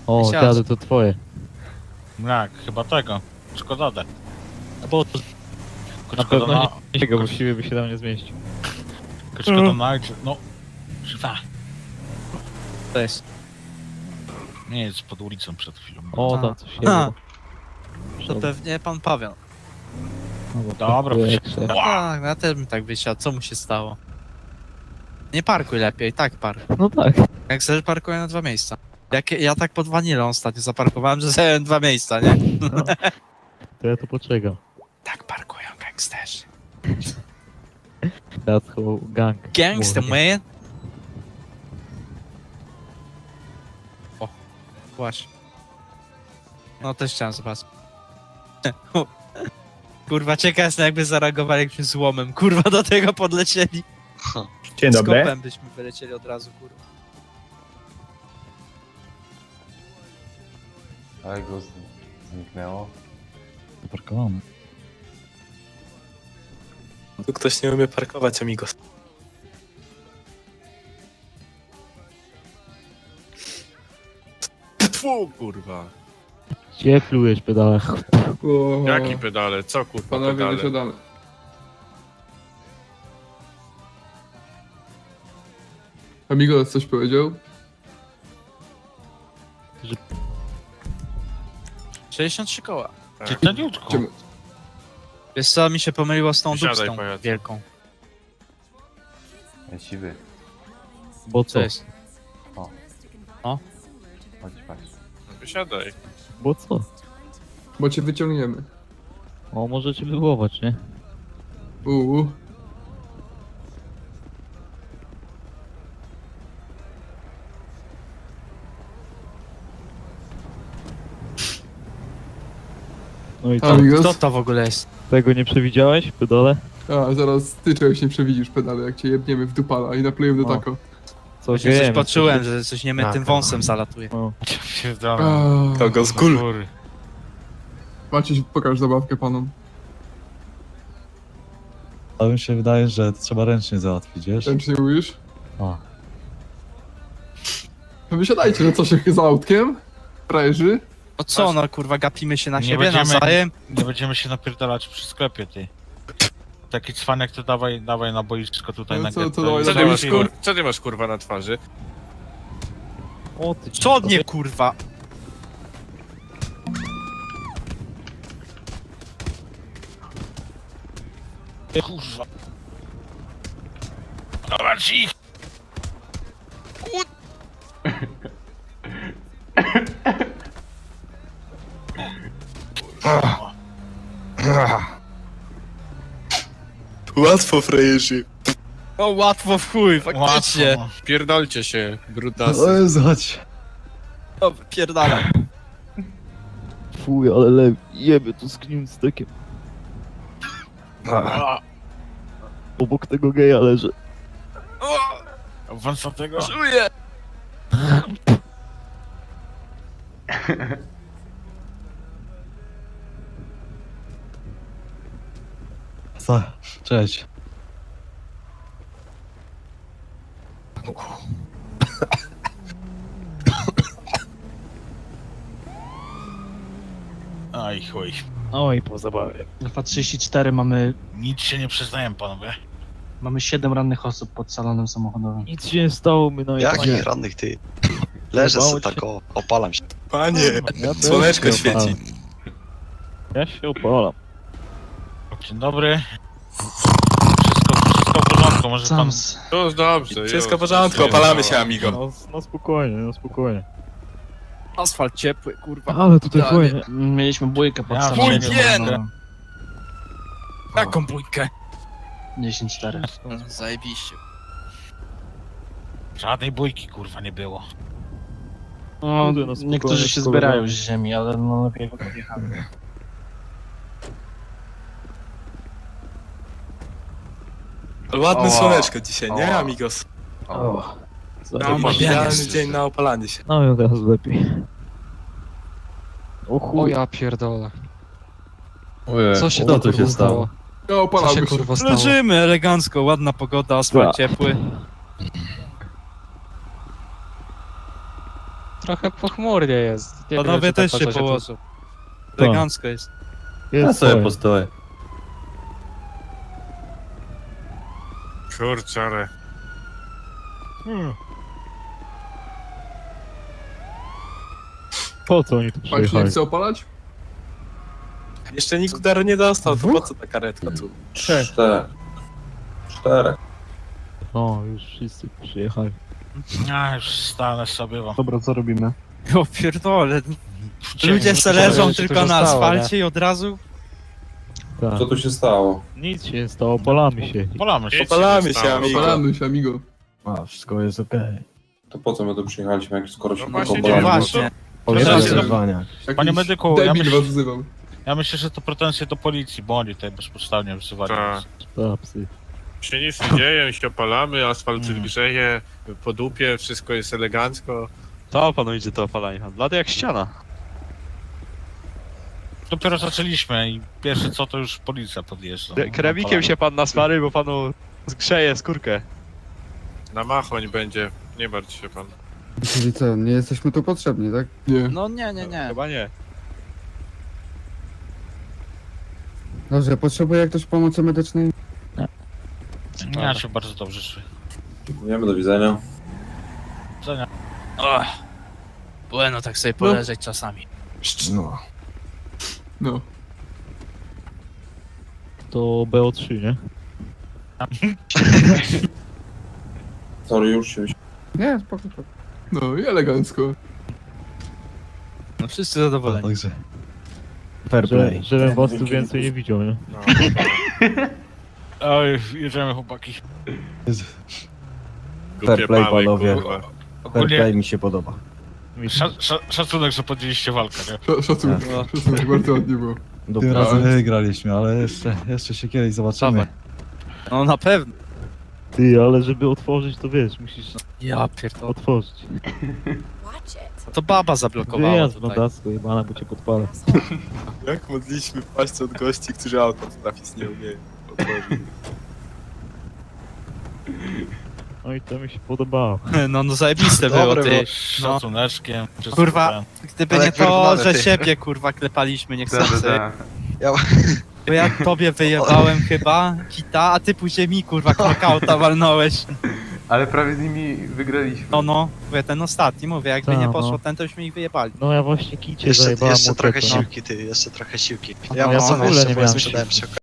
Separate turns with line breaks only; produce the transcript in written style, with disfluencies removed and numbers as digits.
O,
Siadź.
dziady, to twoje.
Jak, chyba tego. Szkoda.
Bo to na
Szkoda
pewno nie tego, właściwie by się tam nie zmieścił.
Szkoda na... No. Żywa.
To jest.
Nie jest pod ulicą przed chwilą.
O,
A.
tam coś
A.
jest.
To pewnie pan Paweł.
Dobra,
proszę.
Tak, ja też bym tak wysiadł. Co mu się stało? Nie parkuj lepiej, tak parkuj.
No tak.
Jak chcesz, parkuję na 2 miejsca. Ja tak pod wanilą ostatnio zaparkowałem, że zająłem 2 miejsca, nie?
To ja tu poczekam.
Tak parkują gangsterzy.
That's how gang.
Gangster,
mówi.
man! O, właśnie. No też chciałem zobaczyć. Kurwa, ciekaw jestem, jakby zareagowali jakimś złomem. Kurwa, do tego podlecieli.
Dzień
Z
dobry.
kopem byśmy wylecieli od razu, kurwa.
Ale go zniknęło.
Zaparkowany.
Tu ktoś nie umie parkować, amigos.
Tfu, kurwa.
Gdzie plujesz pedale?
Jaki pedale? Co kurwa
Panowie
pedale?
wysiadamy. Amigos coś powiedział?
63 koła.
Ty taniutko.
Czemu?
Wiesz co, mi się pomyliło z tą
Siadaj,
dupstą
pajacu.
wielką.
Siwy.
Bo
Co
co?
jest?
Chodź, patrz.
Wysiadaj.
Bo co?
Bo cię wyciągniemy.
O, możecie wywołać, nie?
Uuu.
No i co?
Amigos?
Kto to w ogóle jest?
Tego nie przewidziałeś, pedale?
A, zaraz ty czegoś nie przewidzisz pedale, jak cię jebniemy w dupala i naplejemy do
O.
tako.
Co
Właśnie coś
wiemy,
poczułem, że coś nie
Tak,
tym wąsem zalatuje.
O,
Pierdolę.
Kogo z gól?
Góry.
Maciej, pokaż zabawkę panom.
Ale mi się wydaje, że to trzeba ręcznie załatwić, wiesz?
Ręcznie mówisz?
A.
No wysiadajcie, no co się za autkiem? Frajerzy?
No co, no kurwa, gapimy się na
Nie
siebie
będziemy-
nawzajem?
Nie będziemy się napierdalać przy sklepie, ty. Taki cwanek to dawaj na boisko tutaj
No
na
co,
getto.
to dawaj,
i
Co ty
dawaj.
masz
załatwimy.
co ty masz kurwa na twarzy?
o ty.
Co nie kurwa?
Kurwa. Zobacz ich!
Łatwo, frajerzy.
O, łatwo w chuj, faktycznie.
Łatwo.
Pierdolcie się, brutasy.
O Jezu, chodź.
O, pierdala.
Fuj, ale jeby tu z gniuzdkiem. Obok tego geja leży.
Wąsatego?
Czuję.
Co? Cześć.
Aj chuj.
Oj, po zabawie.
Alfa 34 mamy
Nic się nie przyznaję, panowie.
7 rannych osób pod salonem samochodowym.
Nic się nie stało, my no
Jakich rannych ty? Leżę
Jebało
sobie
cię.
tak, opalam się.
Panie,
Ja też
słoneczko
się
świeci.
opalam. Ja się opalam.
Dzień dobry. Wszystko w porządku, może pan...
Sams.
Już dobrze,
Wszystko
już.
w porządku, opalamy się, amigo.
No spokojnie, no spokojnie.
Asfalt ciepły, kurwa.
Ale tutaj
Tak.
fajnie.
Mieliśmy bójkę pod
Ja
salonem
bójkę!
samochodowym.
Jaką bójkę?
10-4.
Zajebiście.
Żadnej bójki, kurwa, nie było.
No,
Kurde, no spokojnie,
niektórzy się
spokojnie.
zbierają z ziemi, ale no lepiej go podjechali.
Ładne
O.
słoneczko dzisiaj, nie,
O.
amigos?
O,
No,
zajebiście.
idealny dzień na opalanie się.
No i od razu lepiej. O chuj.
ja pierdolę.
Co
się
tu się stało?
Ja
Co
opalamy
się
się.
kurwa stało?
Leżymy elegancko, ładna pogoda, asfalt ciepły.
trochę pochmurnie jest. Nie wiem,
Panowie
czy tak
też się
po co tu-
położą. Elegancko jest.
Jest fajnie.
postoję.
Kurczę, ale...
Po co oni tu
Pan się nie
przyjechali?
chce opalać?
Jeszcze nikt udaru nie dostał, to po co ta karetka tu?
4.
O, już wszyscy przyjechali.
Ja już stanę sobie wam.
Dobra, co robimy?
O pierdole. Ludzie se leżą
się
tylko
tu
na
stało,
asfalcie i od razu...
Tak.
tu się stało?
Nic się nie stało, polamy się.
Polamy się.
Opalamy się, amigo.
Opalamy się, amigo.
A, wszystko jest okej.
To po co my tu przyjechaliśmy, jak skoro się
No
tylko
właśnie,
No
opalamy?
właśnie.
Jakiś
Panie medyku, ja
debil
myślę-
was wzywał.
Ja myślę, że to pretensje do policji, bo oni tutaj bezpodstawnie wzywali.
Tak.
Psy.
Się nic nie dzieje, się opalamy, asfalt grzeje, po dupie, wszystko jest elegancko.
To panu idzie to opalanie. Blady jak ściana.
Dopiero zaczęliśmy i pierwsze co to już policja podjeżdża.
Kremikiem się pan nasmary, bo panu zgrzeje skórkę.
Na machoń będzie, nie martw się pan.
Czyli co, nie jesteśmy tu potrzebni, tak? Nie.
No nie.
Chyba nie.
Dobrze, potrzebuje ktoś pomocy medycznej?
Ja się bardzo dobrze czuję.
Dziękujemy, do widzenia.
Och. Bueno, tak sobie poleżeć czasami.
No.
No.
To BO3, nie?
Sorry, już się...
Nie, spoko. No i elegancko.
No wszyscy zadowoleni.
Także. Fair play.
Żebym was tu więcej nie widział, nie?
No.
Oj, jedziemy chłopaki.
Głupie
play,
pały,
panowie.
kurwa.
Ogólnie
mi się podoba.
szacunek, że podjęliście walkę, nie?
Szacunek, szacunek, bardzo ładnie było.
Tym razem wygraliśmy, ale jeszcze się kiedyś zobaczymy.
No na pewno.
Ty, ale żeby otworzyć, to wiesz, musisz
Ja pierdolę.
otworzyć.
To baba zablokowała
Wyjazd
tutaj.
blondacko, jebana, bo cię podpalę.
Jak modliśmy paść od gości, którzy auto trafić nie umieją. otworzyć.
No i to mi się podobało.
No zajebiste było,
Dobre
ty.
było.
Z szacuneczkiem. wszystko
Kurwa.
ten.
Gdyby
Ale
nie
jak
to,
wyrównane,
że
ty.
siebie kurwa klepaliśmy niechcący.
Ja-
Bo ja tobie wyjebałem chyba kita, a ty później mi kurwa knockouta walnąłeś.
Ale prawie z nimi wygraliśmy.
No, mówię, ten ostatni, mówię, jakby
Ta,
nie
no.
poszło ten, to byśmy ich wyjebali.
No ja właśnie kicie
Jeszcze
zajebałem
trochę
motocykl, no.
siłki, ty, jeszcze trochę siłki.
Ja
Ja
w
mocno
ogóle
jeszcze
nie
bo
miałem
sprzedałem się.